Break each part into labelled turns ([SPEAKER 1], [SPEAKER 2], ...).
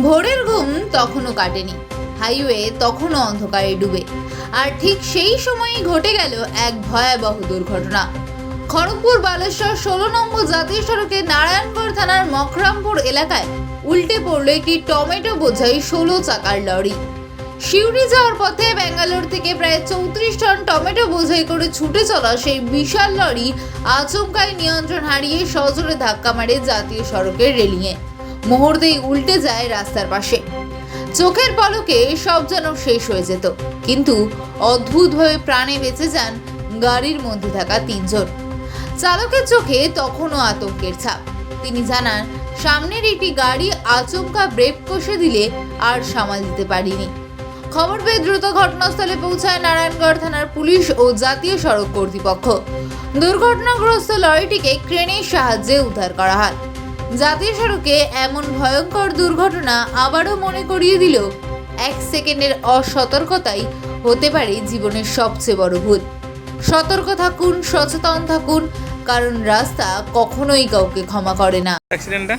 [SPEAKER 1] ভোরের ঘুম তখনও কাটেনি, হাইওয়ে তখনও অন্ধকারে ডুবে। আর ঠিক সেই সময়ই ঘটে গেল এক ভয়াবহ দুর্ঘটনা। খড়গপুর বালেশ্বর 16 নম্বর জাতীয় সড়কে নারায়ণগড় থানার মকরামপুর এলাকায় উল্টে পড়ল একটি টমেটো বোঝাই 16 চাকার লরি। শিউরি যাওয়ার পথে ব্যাঙ্গালোর থেকে প্রায় 34 টন টমেটো বোঝাই করে ছুটে চলা সেই বিশাল লরি আচমকাই নিয়ন্ত্রণ হারিয়ে সজোরে ধাক্কা মারে জাতীয় সড়কের রেলিংয়ে। মুহূর্তেই উল্টে যায় রাস্তার পাশে। চোখের পলকে সব যেন শেষ হয়ে যেত, কিন্তু অদ্ভুতভাবে প্রাণে বেঁচে যান গাড়ির মধ্যে থাকা 3 জন। চালকের চোখে তখনও আতঙ্কের ছাপ। তিনি জানান, সামনের একটি গাড়ি আচমকা ব্রেক কষে দিলে আর সামাল দিতে পারিনি। খবর পেয়ে দ্রুত ঘটনাস্থলে পৌঁছায় নারায়ণগড় থানার পুলিশ ও জাতীয় সড়ক কর্তৃপক্ষ। দুর্ঘটনাগ্রস্ত লরিটিকে ক্রেনের সাহায্যে উদ্ধার করা হয়। জাতীয় সড়কে এমন ভয়ঙ্কর দুর্ঘটনা আবারও মনে করিয়ে দিল 1 সেকেন্ডের অসতর্কতাই হতে পারে জীবনের সবচেয়ে বড় ভুল। সতর্ক থাকুন, সচেতন থাকুন, কারণ রাস্তা কখনোই কাউকে ক্ষমা করে না।
[SPEAKER 2] অ্যাক্সিডেন্টটা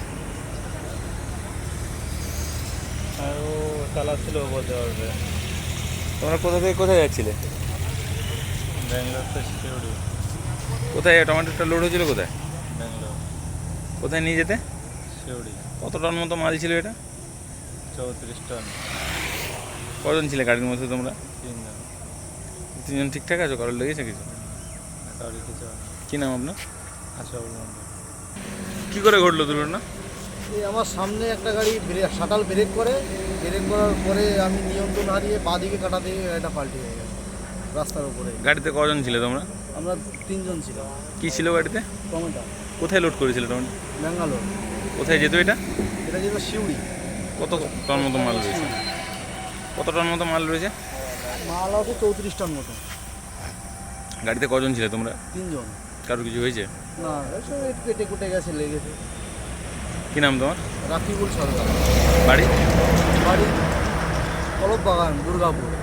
[SPEAKER 2] আরও চালাচ্ছিল বলতে পারবে। তোমরা কোথা থেকে কোথায় যাচ্ছিলে? ব্যাঙ্গালোর তো শিউরি। কোথায় টমেটোটা লোড হয়েছিল? কোথায়? ব্যাঙ্গালোর। কোথায় নিয়ে যেতে? শিউরি। কত টন মতো মাল ছিল এটা? 34 টন। কজন ছিলে গাড়ির মধ্যে তোমরা? 3 জন। 3 জন ঠিকঠাক আছো? কারোর লেগেছে কিছু? কারোর কিছু। কী নাম আপনার? আশরাফুল মন্ডল। কী করে ঘটলো দুর্ঘটনা?
[SPEAKER 3] এই আমার সামনে একটা গাড়ি শাটাল ব্রেক করার পরে আমি নিয়ন্ত্রণ হারিয়ে বাঁ দিকে কাটাতে এটা পাল্টে হয়ে গেল রাস্তার উপরে।
[SPEAKER 2] গাড়িতে কজন ছিলে তোমরা?
[SPEAKER 3] আমরা 3 জন ছিলাম।
[SPEAKER 2] কী ছিল গাড়িতে?
[SPEAKER 3] টমেটো।
[SPEAKER 2] কোথায় লোড করেছিল টমেটো?
[SPEAKER 3] ব্যাঙ্গালোর।
[SPEAKER 2] কোথায় যেত এটা?
[SPEAKER 3] এটা যেত শিউরি।
[SPEAKER 2] কত টন মতো মাল রয়েছে? কত টন মতো মাল রয়েছে?
[SPEAKER 3] মাল আছে 34 টন মতো।
[SPEAKER 2] গাড়িতে কজন ছিলে তোমরা?
[SPEAKER 3] 3 জন।
[SPEAKER 2] কারোর কিছু হয়েছে?
[SPEAKER 3] না, সব একটু কেটে কুটে গেছে, লেগেছে।
[SPEAKER 2] কী নাম তোমার?
[SPEAKER 3] রাকিবুল সরকার।
[SPEAKER 2] বাড়ি?
[SPEAKER 3] বাড়ি কলপ বাগান, দুর্গাপুর।